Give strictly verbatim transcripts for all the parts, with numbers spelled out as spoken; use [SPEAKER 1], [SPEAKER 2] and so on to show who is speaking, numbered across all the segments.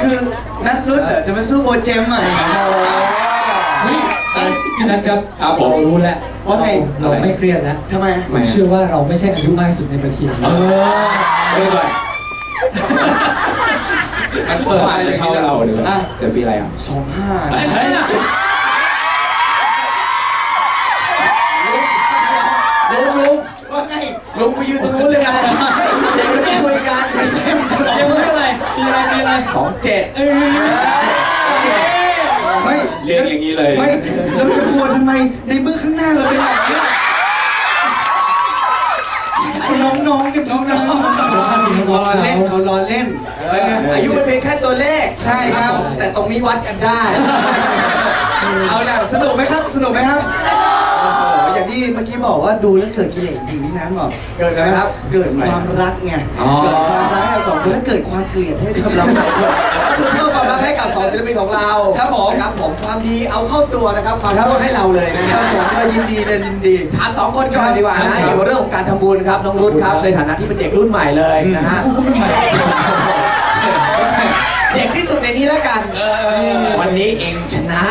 [SPEAKER 1] คือนัทรุ่นเดี๋ยวจะมาสู้โบเจมอ่ะ
[SPEAKER 2] เฮ้ยพี่นัทครับ
[SPEAKER 3] ครับผม
[SPEAKER 2] เรารู้แล้ว
[SPEAKER 1] ว่าไง
[SPEAKER 2] เราไม่เครียดแล้ว
[SPEAKER 1] ทำไม
[SPEAKER 2] ผมเชื่อว่าเราไม่ใช่อายุมากที่สุดในประเทศ
[SPEAKER 3] เออไม่เป็นไรมันเปิดอาจจะเท่าเราหรือว่าเกิดปีอะไรอ่ะ
[SPEAKER 1] สองห้าลุงลุงว่าไงลุงไปยืนตรงนู้นเลยนะเด็กก็จะคุยกันไม่ใช่
[SPEAKER 2] เดี๋ยวมึงอะไรมีอะไรมีอะไร
[SPEAKER 1] สองเจ็ดไม่
[SPEAKER 3] เรียนอย่างนี้เลย
[SPEAKER 1] ไม่เราจะกลัวทำไมในเมื่อข้างหน้าเราเป็นแบบนี้น้องๆกันน้องๆรอเล่นเขารอเล่นอายุมันเป็นแค่ตัวเลขใช่ครับแต่ตรงนี้วัดกันได้เอาล่ะสนุกไหมครับสนุกไหมครับอย่างที่เมื่อกี้บอกว่าดูแล้วเกิดกิเลสจริงนี่นะบอกเกิดอะไรครับเกิดความรักไงเกิดความรักกับสองคนแล้วเกิดความเกลียดให้กับเราสองคนก็คือเพิ่มความรักให้กับสองศิลปินของเราครับผมครับผมความดีเอาเข้าตัวนะครับความชั่วให้เราเลยนะครับผมก็ยินดีเลยยินดีถามสองคนก่อนดีกว่านะเกี่ยวกับเรื่องของการทำบุญครับน้องรุ่นครับในฐานะที่เป็นเด็กรุ่นใหม่เลยนะฮะเด็กที่สุดในนี้แล้วกันวันนี้เองชนะ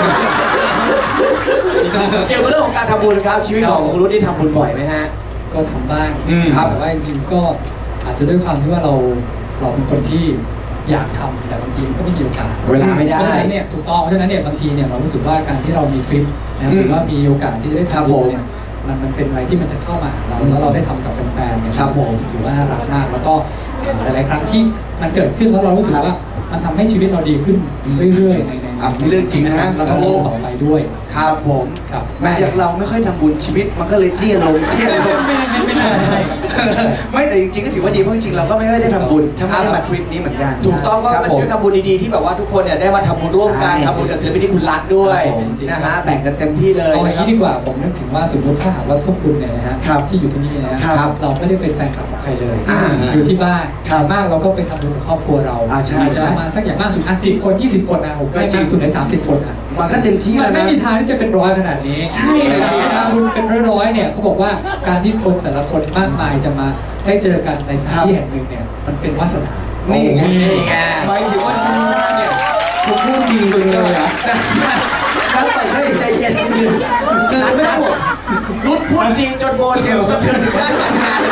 [SPEAKER 1] เกี่ยวกับเรื่องของการทำบุญครับชีวิตของคุณรุ่นที่ทำบุญบ่อยไหมฮะ
[SPEAKER 2] ก็ทำบ้าง
[SPEAKER 1] ครับ
[SPEAKER 2] แต่ว่าจริงๆก็อาจจะด้วยความที่ว่าเราเราเป็นคนที่อยากทำแต่บางทีก็ไม่มีโอกาส
[SPEAKER 1] เวลาไม่ได้
[SPEAKER 2] เพราะฉะนั้นเนี่ยถูกต้องเพราะฉะนั้นเนี่ยบางทีเนี่ยเรารู้สึกว่าการที่เรามีทริปนะหรือว่ามีโอกาสที่จะได้ทำบุญเนี่ยมันมันเป็นอะไรที่มันจะเข้ามาหาเราแล้วเราได้ทำกับแฟนๆเนี่ยถือว่าน่ารักมากแล้วก็หลายๆครั้งที่มันเกิดขึ้นแล้วเรารู้สึกว่ามันทำให้ชีวิตเราดีขึ้นเรื่อยๆในใน
[SPEAKER 1] เรื่องจริงนะ
[SPEAKER 2] แล้วก็ต่อไปด้วย
[SPEAKER 1] ครับผม
[SPEAKER 2] ครับ
[SPEAKER 1] แม้จากเราไม่ค่อยทำบุญชีวิตมันก็เลยเตี้ยลงเตี้ยลง
[SPEAKER 2] ไม่ไม่ไม่ใช่
[SPEAKER 1] ไม่แต่จริงๆก็ถือว่าดีเพราะจริงๆเราก็ไม่ค่อยได้ทำบุญถ้าไม่ได้มาทริปนี้เหมือนกันถูกต้องก็เป็นทริปทำบุญดีๆที่แบบว่าทุกคนเนี่ยได้มาทำบุญร่วมกันทำบุญกับศิลปินที่คุณรักด้วยนะฮะแบ่งกันเต็มที่เลย
[SPEAKER 2] เอาอย่างนี้ดีกว่าผมนึกถึงว่าสมมติถ้าหากว่าพวกคุณเนี่ยนะฮะที่อยู่ที่นี่นะครับเราไม่ได้เป็นแฟนคลับของใครเลยอยู่ที่บ้านมากเราก็ไปทำบุญกับครอบครัวเราอาจจะประมาณสักอย่างมากสุดอ่ะสิบคนยี่สิบคนนะผมได้มากสุดในสามสิบคนอ่ะ
[SPEAKER 1] มันก็เต็มที่
[SPEAKER 2] มันไม่มีทางที่จะเป็นร้อยขนาดนี้ใช่การบุญเป็นร้อยๆเนี่ยเขาบอกว่าการที่คนแต่ละคนมากมายจะมาได้เจอกันในสถานที่แห่งหนึ่งเนี่ยมันเป็นวาสนา
[SPEAKER 1] นี่ไงหมายถึงว่าชั้นหน้าเนี่ยผมพูดดีเลยอ่ะท่านเปิดให้ใจเย็นคือไม่ต้องห่วงรุ่นพูดดีจนโบเจลสะเทือนถึงด้านการงาน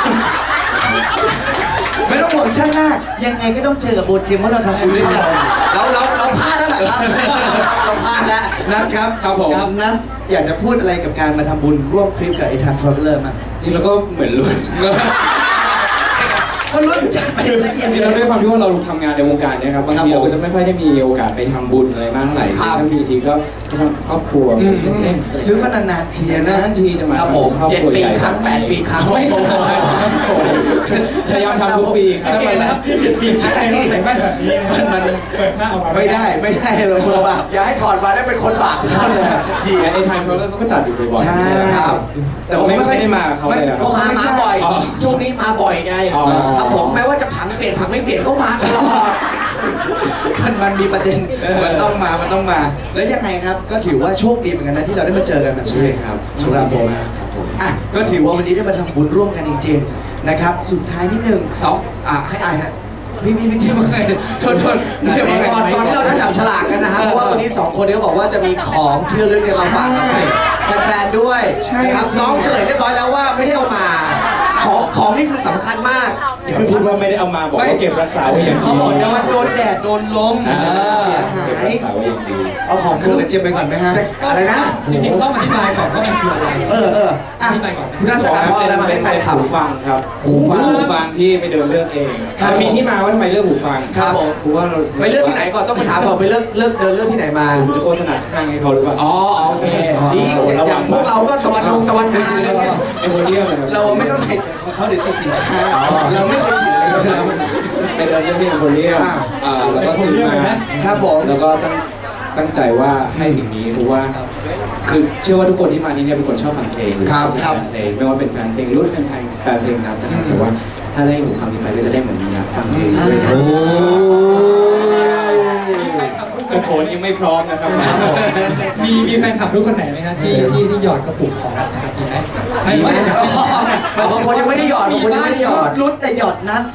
[SPEAKER 1] ไม่ต้องห่วงชั้นหน้ายังไงก็ต้องเจอกับโบเจมเพราะเราทำบุญด้วยกันเราเราเราพลาดแล้วแหละครับเราพลาดแล้วนะครับครับผมนะอยากจะพูดอะไรกับการมาทำบุญร่วมทริปกับไอ้ทันทรัลเลอร์มั้ง
[SPEAKER 3] จริงแล้วก็เหมือนรุ่น
[SPEAKER 1] ก็รุ่นจัดไปละเอียด
[SPEAKER 3] จริงแล้วด้วยความที่ว่าเราทำงานในวงการเนี่ยครับบางทีเราก็จะไม่ค่อยได้มีโอกาสไปทำบุญอะไรมากเท่าไหร่ถ้ามีทีก็ไปทำครอบครัว
[SPEAKER 1] ซื้อก็นานๆทีนะ
[SPEAKER 3] นานทีจะมา
[SPEAKER 1] ครับผมเจ็ดปีครั้งแปดปีครั้ง
[SPEAKER 3] พยายามทำทุกปีครับ
[SPEAKER 2] เจ็ดปีใช่ต้องใส่แว่นแบบนี้
[SPEAKER 1] มันมัน
[SPEAKER 2] เปิดหน้าออกมา
[SPEAKER 1] ไม่ได้ไม่ได้เราคนบาปอย่าให้ถอดมาได้เป็นคนบาปทุกท่านเลย
[SPEAKER 3] ทีไอ้ไทม์เขาเขาก็จัดอยู่บ่อย
[SPEAKER 1] ๆใช่ครับ
[SPEAKER 3] แต่ว่าไม่ได้มาเขาเลย
[SPEAKER 1] ก็มามาบ่อยช่วงนี้มาบ่อยไงครับผมแม้ว่าจะผังเปลี่ยนผังไม่เปลี่ยนก็มาตลอดมันมันมีประเด็นมันต้องมามันต้องมาแล้วยังไงครับก็ถือว่าโชคดีเหมือนกันนะที่เราได้มาเจอกันแบบนี้
[SPEAKER 3] ใช่ครับ
[SPEAKER 1] สำหรับผมอ่ะก็ถือว่าวันนี้ได้มาทำบุญร่วมกันจริงๆนะครับสุดท้ายนิดนึงสองอ่ะให้อายฮะพี่พี่พี่เที่ยวไงชนชนเที่ยวไงก่อนตอนที่เราได้จับฉลากกันนะฮะเพราะว่าวันนี้สองคนนี้เขาบอกว่าจะมีของที่ระลึกเนี่ยมาฝากกับแฟนๆด้วยครับน้องเฉลยเรียบร้อยแล้วว่าไม่ได้เอามาของของนี่คือสำคัญมาก
[SPEAKER 3] คือพูดว่าไม่ได้เอามาบอกว่าเก็บรักษาไว้อย่างดี
[SPEAKER 1] เขาบอกว่ามันโดนแดดโดนลมเสียหายเอาของเครื่องเจ็บไปก่อนไหมฮะอะไรนะ
[SPEAKER 2] จริงๆต้องอธิบายก่อนว่ามันคืออะไร
[SPEAKER 1] เออเอออธิบายก่อนคุณนักศึกษาพอแล้วมาให้แฟน
[SPEAKER 3] หูฟังครับหูฟังหูฟังที่ไปเดินเลือกเองมีที่มาว่าทำไมเลือกหูฟัง
[SPEAKER 1] ครับผม
[SPEAKER 3] เพราะว่าเรา
[SPEAKER 1] ไปเลือกที่ไหนก่อนต้องมาถามก่อนไปเลือกเลือกเดินเลือกที่ไหนมา
[SPEAKER 3] จะโฆษณาข้างให้เขาหรือเปล่า
[SPEAKER 1] อ๋อโอเคดีอย่างพวกเราก็ตะวันลงตะวันนาเลย
[SPEAKER 3] ไอ้คนเที่ยว
[SPEAKER 1] เราไม่ต้องไหนเขาเดี๋ยวติดสินค้าเราไม่เคยถืออะไรเลย
[SPEAKER 3] ไปเดินเรื่องที่คนเที่ยวอ่าแล้วก็ซื้อมา
[SPEAKER 1] ครับผม
[SPEAKER 3] แล้วก็ตั้งตั้งใจว่าให้สิ่งนี้เพราะว่าคือเชื่อว่าทุกคนที่มาที่นี่เป็นคนชอบฟังเพลง
[SPEAKER 1] ครับครับ
[SPEAKER 3] เพลงไม่ว่าเป็นแฟนเพลงรุ่นแฟนเพลงแฟนเพลงนั้นนะครับแต่ว่าถ้าได้หูฟังนี้ไปก็จะได้เหมือนมีนะฟังเพลงด้วยโอ้กระโถนยังไม่พร้อมนะครับ
[SPEAKER 2] มีมีแฟนคลับรุ่นคนไหนไหมครับที่ที่ที่หยอดกระปุกของนัทนะครับมีไหม
[SPEAKER 1] ไม่ไม่บางคนยังไม่ได้หยอดบางคนยังไม่ได้หยอดรุ่นแต่หยอดนัท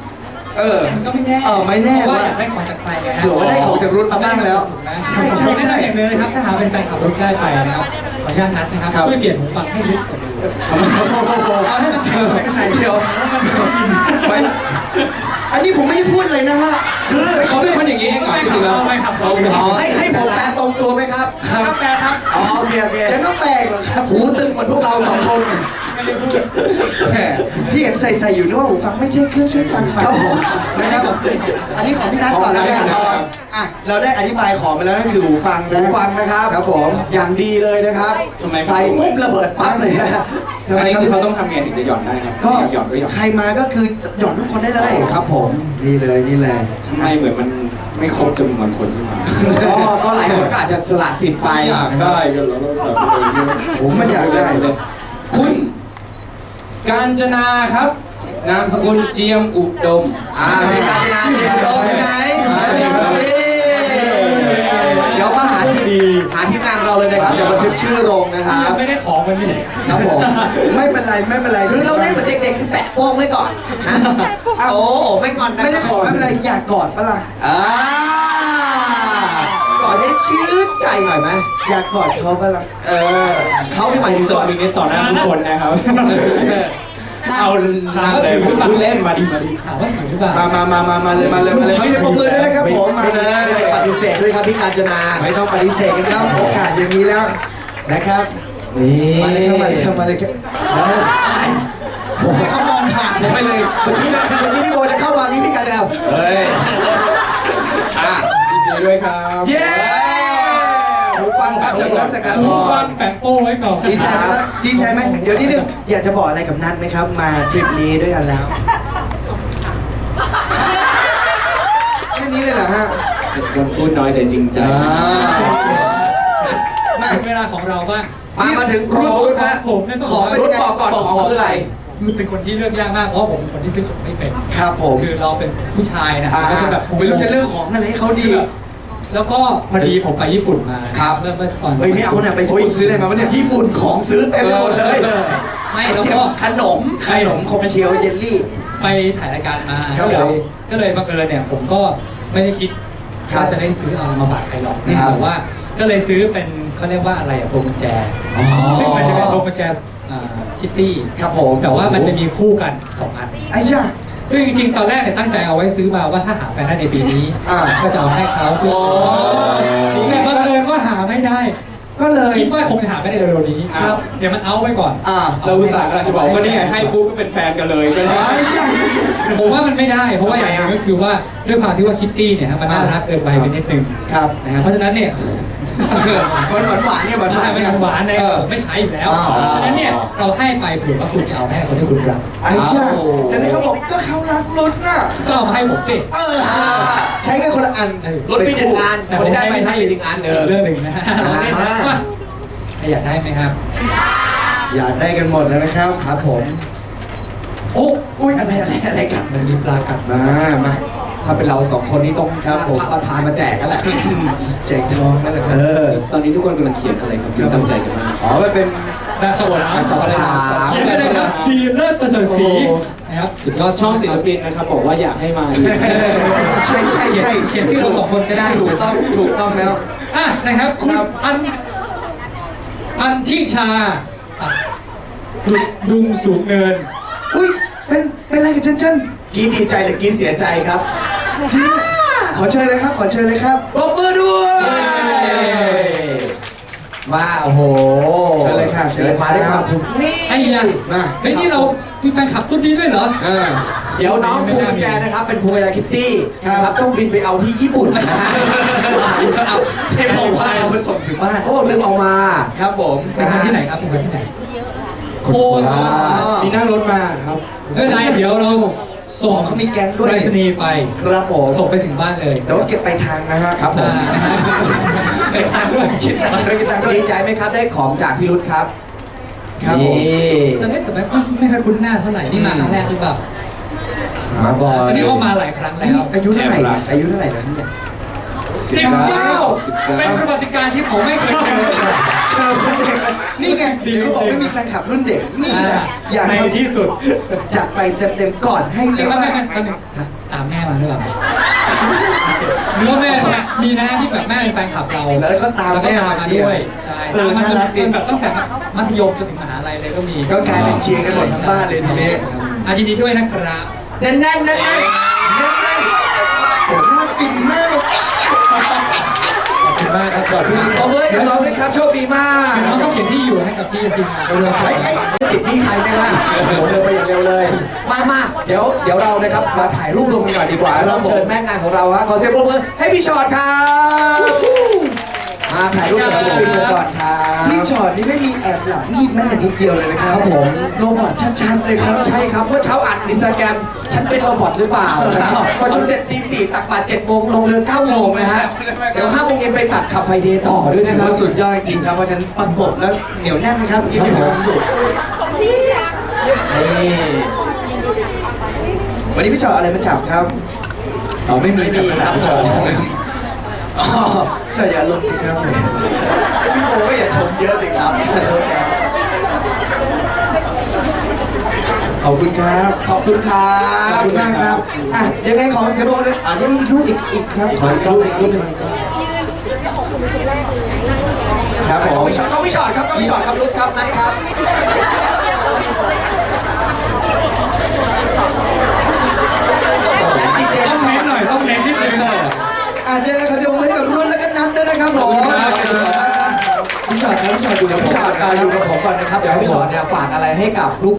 [SPEAKER 1] เออ
[SPEAKER 2] มันก็ไม่แน่
[SPEAKER 1] เออไม่แน่
[SPEAKER 2] เพราะว่า
[SPEAKER 1] ว่า
[SPEAKER 2] อยากได้ของจากใครไงฮะ
[SPEAKER 1] เผื่อว่าได้ของจากรุ่นมาบ้างแล้ว
[SPEAKER 2] ถูกไหม
[SPEAKER 1] ใช่ใช่ใช่
[SPEAKER 2] ผมแนะนำอย่างหนึงนะครับถ้าหาเป็นแฟนขับรถได้ไปนะครับขออนุญาตนัดนะครับ
[SPEAKER 3] ครับ
[SPEAKER 2] ช่วยเปลี่ยนหูฟังให้ลึกกว่าเดิม
[SPEAKER 1] โอ้โห
[SPEAKER 2] เอาให้มันแข็งไว้ข้างใน
[SPEAKER 1] เดี๋ยว
[SPEAKER 2] แล้วมันไม่ได้ยิน
[SPEAKER 1] ไม่อันนี้ผมไม่ได้พูดเลยนะฮะคือ
[SPEAKER 3] เขาเป็นคนอย่างนี้เองเหรอจริงๆแล้ว
[SPEAKER 2] ไม่ขับเรา
[SPEAKER 1] อ๋อให้ให้ผมแปลตรงตัวไหมครับ
[SPEAKER 2] ครับแปลครับ
[SPEAKER 1] อ๋อโอเคโอเคแล้วก็แปลกเหรอครับหูตึงเหมือนพวกเราสองคน
[SPEAKER 2] ไม่ได้พูด
[SPEAKER 1] แหมที่เห็นใส่ใส่อยู่นึกว่าหูฟังไม่ใช่เครื่องช่วยฟังครับผมนะครับอันนี้ของพี่นัทก่อนแล้วกันครับอ่ะเราได้อธิบายของไปแล้วนั่นคือหูฟังนะหูฟังนะครับครับผมอย่างดีเลยนะครับ
[SPEAKER 3] ทำไมครับ
[SPEAKER 1] ใส่ปุ๊บระเบิดปั๊บเลยนะทำ
[SPEAKER 3] อัน
[SPEAKER 1] ไม
[SPEAKER 3] นี้
[SPEAKER 1] ครับ
[SPEAKER 3] คือเขาต้องทำไงถึงจะหย่อนได้ครับ
[SPEAKER 1] ก็
[SPEAKER 3] อยากหย่อนก็หย่อน
[SPEAKER 1] ใครมาก็คือหย่อนทุกคนได้เลยครับผมนี่เลยนี่เลย
[SPEAKER 3] ทำไมเหมือนมันไม่ครบจำนวนคนที่มา
[SPEAKER 1] ก็ก็หลายคนก็อาจจะสละสิทธิ์ไป
[SPEAKER 3] อยากได้กันแล้วเราใส่ไปเลย
[SPEAKER 1] ผมไม่อยากได้
[SPEAKER 3] คุณกาญจนาครับ นามสกุลเจียมอุดม
[SPEAKER 1] อ่าพี่กาญจนาเจมส์โดมที่ไหนกาญจนามาดิเดี๋ยวมาหาที่หาที่นั่งเราเลยนะครับเดี๋ยวบันทึกชื่อลงนะครับ
[SPEAKER 2] ไม่ได้ของวันนี้
[SPEAKER 1] ครับผมไม่เป็นไรไม่เป็นไรคือเราเล่นเหมือนเด็กๆคือแปะโป้งไว้ก่อนนะโอ้โหไม่งอนนะไม่ได้ขอไม่เป็นไรอยากกอดปะล่ะอ่ากอดให้ชื่นใจหน่อยไหมอยากกอดเขาปะล่ะเออเขาที่หมายถึง
[SPEAKER 3] ส
[SPEAKER 1] ก
[SPEAKER 3] อ
[SPEAKER 1] อด
[SPEAKER 3] นนี้ต่อหน้าทุกคนนะครับ เอานั่งเลยพูดเล่นมาดิมาดิ
[SPEAKER 2] ถามว่าถือหรือเปล่า
[SPEAKER 1] มามามามามาเลยมาเลยมาเลยเขาจะปรบมือด้วยนะครับผมมาเลยไม่ได้ปฏิเสธด้วยครับพี่กาญจนาไม่ต้องปฏิเสธกันครับโอกาสอย่างนี้แล้วนะครับนี่มาเลยครับมาเลยครับมาเลยครับผมให้เขามองผ่านผมไปเลยเมื่อกี้เมื่อกี้พี่โบจะเข้ามานี่พี่กาญจนาเฮ้ย
[SPEAKER 3] อ่ะยินดีด้วยครับ
[SPEAKER 1] เย้หูฟังครับจากรัศกาล
[SPEAKER 2] หูฟังแปะโป้ไว้ก่อน
[SPEAKER 1] ดีใจไหมดีใจไหมเดี๋ยวนิดนึงอยากจะบอกอะไรกับนัทไหมครับ มาทริปนี้ด้วยกันแล้วแค่นี้เลยเหรอฮะ
[SPEAKER 3] เป็นคนพูดน้อยแต่จริงใจ
[SPEAKER 1] มา
[SPEAKER 2] ถึงเวลาของเราบ้าง
[SPEAKER 1] มามาถึงของรุ่นนะ
[SPEAKER 2] ผมเนี่ยต้อง
[SPEAKER 1] ของรุ่นบอกก่อนของคืออะไร
[SPEAKER 2] คือเป็นคนที่เลือกยากมากเพราะผมเป็นคนที่ซื้อของไม่เป็น
[SPEAKER 1] ครับผม
[SPEAKER 2] คือเราเป็นผู้ชายนะ
[SPEAKER 1] อ่า
[SPEAKER 2] ก็จะแบบ
[SPEAKER 1] ไม่รู้จะเลือกของอะไรให้เขาดี
[SPEAKER 2] แล้วก็พอดีผมไปญี่ปุ่นมา
[SPEAKER 1] ครับ
[SPEAKER 2] เมื่อเมื่อตอน
[SPEAKER 1] เฮ้ยไม่เอาเนี่ยไปญี่ปุ่นซื้ออะไรมาวะเนี่ยญี่ปุ่นของซื้อเต็มไปหมดเลย
[SPEAKER 2] ไม่
[SPEAKER 1] ไอ้
[SPEAKER 2] แล้ว
[SPEAKER 1] เจ็บ
[SPEAKER 2] ก็
[SPEAKER 1] ขนมขนมคอมเชียวเยลลี่
[SPEAKER 2] ไปถ่ายรายการมา
[SPEAKER 1] ครับ
[SPEAKER 2] ก็เล
[SPEAKER 1] ผม
[SPEAKER 2] ยก็เลยบังเอิญเนี่ยผมก็ไม่ได้คิด
[SPEAKER 1] ครับ
[SPEAKER 2] ว่าจะได้ซื้อเอามาฝากใครหรอก
[SPEAKER 1] ครับ
[SPEAKER 2] แต่ว่าก็เลยซื้อเป็นเขาเรียกว่าอะไรอะโปรกุญแจ
[SPEAKER 1] อ๋อ
[SPEAKER 2] ซึ่งมันจะเป็นโปรกุญแจคิตตี้
[SPEAKER 1] ครับผม
[SPEAKER 2] แต่ว่ามันจะมีคู่กันสองอัน
[SPEAKER 1] ไอ้จ้า
[SPEAKER 2] ซึ่งจริงๆ ตอนแรกเนี่ยตั้งใจเอาไว้ซื้อมาว่าถ้าหาแฟนได้ในปีนี้
[SPEAKER 1] อ่า
[SPEAKER 2] ก็จะเอาให้เขาคือ
[SPEAKER 1] นี่ไง
[SPEAKER 2] แต่บังเอิญว่าหาไม่ได้
[SPEAKER 1] ก็เลย
[SPEAKER 2] คิดว่าคงจะหาไม่ได้เร็วๆนี้
[SPEAKER 3] ครับ
[SPEAKER 2] เดี๋ยวมันเอาไว้ก่อน
[SPEAKER 1] อ่า
[SPEAKER 3] เราอุตส่าห์กำลังจะบอกว่านี่ไงให้ปุ๊บก็เป็นแฟนกันเลยก็ได้
[SPEAKER 1] ไอ้จ้า
[SPEAKER 2] ผมว่ามันไม่ได้ เพราะว่าอย่างหนึงก็คือว่าด้วยความที่ว่าคิตตี้เนี่ยฮะมันน่ารักเกินไปไปนิดนึง
[SPEAKER 1] ครับ
[SPEAKER 2] นะฮะเพราะฉะนั้นเนี่ย
[SPEAKER 1] หวานหวานหวานเนี่ยหวานหวาน
[SPEAKER 2] ไม่
[SPEAKER 1] เนี่ย
[SPEAKER 2] หวานๆเนี่ย
[SPEAKER 1] เออ
[SPEAKER 2] ไม่ใช้อยู่แล้ว
[SPEAKER 1] อ่า
[SPEAKER 2] เพราะฉะนั้นเนี่ยเราให้ไปเผื่อว่าคุณจะเอาไปให้คนที่คุณรัก
[SPEAKER 1] ไอ้จ้าแต่นี่เขาบอกก็เขารักรถน่ะ
[SPEAKER 2] ก็เอามาให้ผมสิ
[SPEAKER 1] เออใช้กันคนละอัน
[SPEAKER 2] เออ
[SPEAKER 1] รถมีหนึ่งอัน
[SPEAKER 2] แต่
[SPEAKER 1] คน
[SPEAKER 2] ผม
[SPEAKER 1] ได้
[SPEAKER 2] ใช้
[SPEAKER 1] ไป
[SPEAKER 2] ไม่
[SPEAKER 1] ให้
[SPEAKER 2] ให้
[SPEAKER 1] อีกอันเออ
[SPEAKER 2] เรื่องหนึ่งนะฮะ
[SPEAKER 1] อ่า
[SPEAKER 2] เราเล่นนะว่าใครอยากได้ไหมครับ
[SPEAKER 1] อยากได้กันหมดแล้วนะครับครับผม โอ้อุ้ยอะไรอะไรอะไรกัน
[SPEAKER 2] มันมีปลากัด
[SPEAKER 1] มามาถ้าเป็นเราสองคนนี้ต้องพระประธานมาแจกกันแหละ แจกทองนั่นแหละครับเออ
[SPEAKER 3] ตอนนี้ทุกคนกำลังเขียนอะไรครับคือตั้งใจกันมาก
[SPEAKER 1] อ๋อมันเป็น
[SPEAKER 2] แบบสวด
[SPEAKER 1] แบบสวด
[SPEAKER 2] เขียนไปเลยครับดีเลิศประเสริฐศรีนะครับสุดยอด
[SPEAKER 3] ช่องศิลปินนะครับบอกว่าอยากให้มาอีก
[SPEAKER 1] ใช่ใช่
[SPEAKER 2] เขียน
[SPEAKER 1] ใช่
[SPEAKER 2] เขียนชื่อเราสองคนก็ได้
[SPEAKER 1] ถูกต้องถูกต้องแล้ว
[SPEAKER 2] อ่ะนะครับคุณอันอันทิชาอ่ะดุดุงสูงเนิน
[SPEAKER 1] อุ้ยเป็นเป็นอะไรกันเจนเจนกินดีใจหรือกินเสียใจครับจริงขอเชิญเลยครับ ขอเชิญเลยครับปรบมือด้วยมาโอ้โหเชิญเลยค่ะเชิญเลยมาได้ครับนี่
[SPEAKER 2] ไอ้ยะ
[SPEAKER 1] มา
[SPEAKER 2] เฮ้ยนี่เรามีแฟนคลับรุ่นนี้ด้วยเหรอ
[SPEAKER 1] เออเดี๋ยวน้องพวงกุญแจนะครับ เป็นพวงกุญแจคิตตี้ครับต้องบินไปเอาที่ญี่ปุ่นนะฮะเอาให้บอกว่าเอาไปส่งถึงบ้านโอ้ลืมเอามาครับผม
[SPEAKER 2] เป็นคนที่ไหนครับเป็นคนที่ไหน
[SPEAKER 1] โคราช
[SPEAKER 3] มีนั่งรถมาครับ
[SPEAKER 2] ไม่เป็นไรเดี๋ยวเราส่ง
[SPEAKER 1] เขามีแก๊งด้วย
[SPEAKER 2] ไปรษณีย์ไป
[SPEAKER 1] ครับผม
[SPEAKER 2] ส่งไปถึงบ้านเลย
[SPEAKER 1] เดี๋ยวเก็บไปทางนะฮะครับผม
[SPEAKER 2] เก็บตังค์ด้วย
[SPEAKER 1] คิดตังค์ด้วยคิดตังค์ด้วยดีใจไหมครับได้ของจากพี่รุธครับครับผม
[SPEAKER 2] แต่เนี่ยแต่ไม่ไม่ค่อยคุ้นหน้าเท่าไหร่นี่มาครั้งแรกหรือเปล่า
[SPEAKER 1] มาบ่อย
[SPEAKER 2] แสดงว่ามาหลายครั้งแล้ว
[SPEAKER 1] อายุเท่าไหร่เนี่ยอายุเท่าไหร่แล้วครับเนี่ย
[SPEAKER 2] สิบเก้าเป็นประวัติการที่ผมไม่เคยเจอ
[SPEAKER 1] เจอคนเด็กกันนี่ไงดีเขาบอกไม่มีแฟนคลับรุ่นเด็กนี่แหละอยาก
[SPEAKER 2] ในที่สุด
[SPEAKER 1] จัดไปเต็มๆก่อนให้เรี
[SPEAKER 2] เรี
[SPEAKER 1] ย
[SPEAKER 2] ย
[SPEAKER 1] ก
[SPEAKER 2] กว่า
[SPEAKER 1] ว่า
[SPEAKER 2] ไม่ไม่ตอนหนึ่งตามแม่มาหรือเปล่าหรือว่าแม่มีนะที่แบบแม่เป็นแฟนคลับเรา
[SPEAKER 1] แล้วก็ตามแม่มาเชียร์
[SPEAKER 2] ด้วยใช่
[SPEAKER 1] เออ
[SPEAKER 2] ตามมาจน
[SPEAKER 1] น่ารักดี
[SPEAKER 2] จนแบบตั้งแต่มัธยมจนถึงมหาลัยเลยก็มี
[SPEAKER 1] ก็กลายเป็นเชียร์กันหมดทั้งบ้านเลยทีนี้
[SPEAKER 2] อ่ะยินดีด้วยนะครับ
[SPEAKER 1] แน่นๆแน่นๆแน่นๆแน่นๆโอ้หน้าฟินมากเลย
[SPEAKER 2] ขอบคุณมากครับขอบคุณ
[SPEAKER 1] ขอบคุณกับน้องสิครับโชคดีมาก
[SPEAKER 2] น้องต้องเขียนที่อยู่ให้กับพี่ทีมงานด้วย
[SPEAKER 1] ไอ้ไอ้ติดหนี้ใครไหมฮะโอ้โหเร็วไปอย่างเร็วเลย มามาเดี๋ยวเดี๋ยวเรานะครับมาถ่ายรูปรวมกันหน่อยดีกว่าแล้วเราเชิญแม่งานของเราฮะขอเสียงปรบมือให้พี่ชอตครับมาถ่ายรูปกับศิลปินกันก่อนครับพี่ชอตนี่ไม่มีแอบหลับงีบแม้แต่นิดเดียวเลยนะครับผมโรบอทชัดๆเลยครับใช่ครับเมื่อเช้าอ่านอินสตาแกรมฉันเป็นโรบอทหรือเปล่าพอชุดเสร็จตีสี่ตักบาตรเจ็ดโมงลงเรือเก้าโมงนะฮะเดี๋ยวห้าโมงเย็นไปตัดขับไฟเดย์ต่อด้วยนะครับสุดยอดจริงครับเพราะฉันประกบแล้วเหนียวแน่นไหมครับยิ้มมีความสุขนี่วันนี้พี่ชอตอะไรมาจับครับอ๋อไม่มีมีครับพี่ชอตอ๋อจออย่าลงสิครับพี่โบก็อย่าชมเยอะสิครับขอโทษครับขอบคุณครับ ขอบคุณครับขอบคุณมากครับอ่ะยังไงขอเสียงปรบมืออ่ะนี่อีกรูปอีกอีกครับขออีกรูปอีกรูปหนึ่งครับผมต้องวิชอตต้องวิชอตครับต้องวิชอตครับรูปครับนัดครับนัดดีเจ
[SPEAKER 2] ต้องเน้นหน่อยต้องเน้นนิดนึง
[SPEAKER 1] อ่ะเดี๋ยวเขาจะมาให้กับรุ่นแล้วก็นัดด้วยนะครับผมพี่ชอตครับพี่ชอตอยู่กับพี่ชอตอยู่กับผมก่อนนะครับเดี๋ยวให้พี่ชอตเนี่ยฝากอะไรให้กับลูก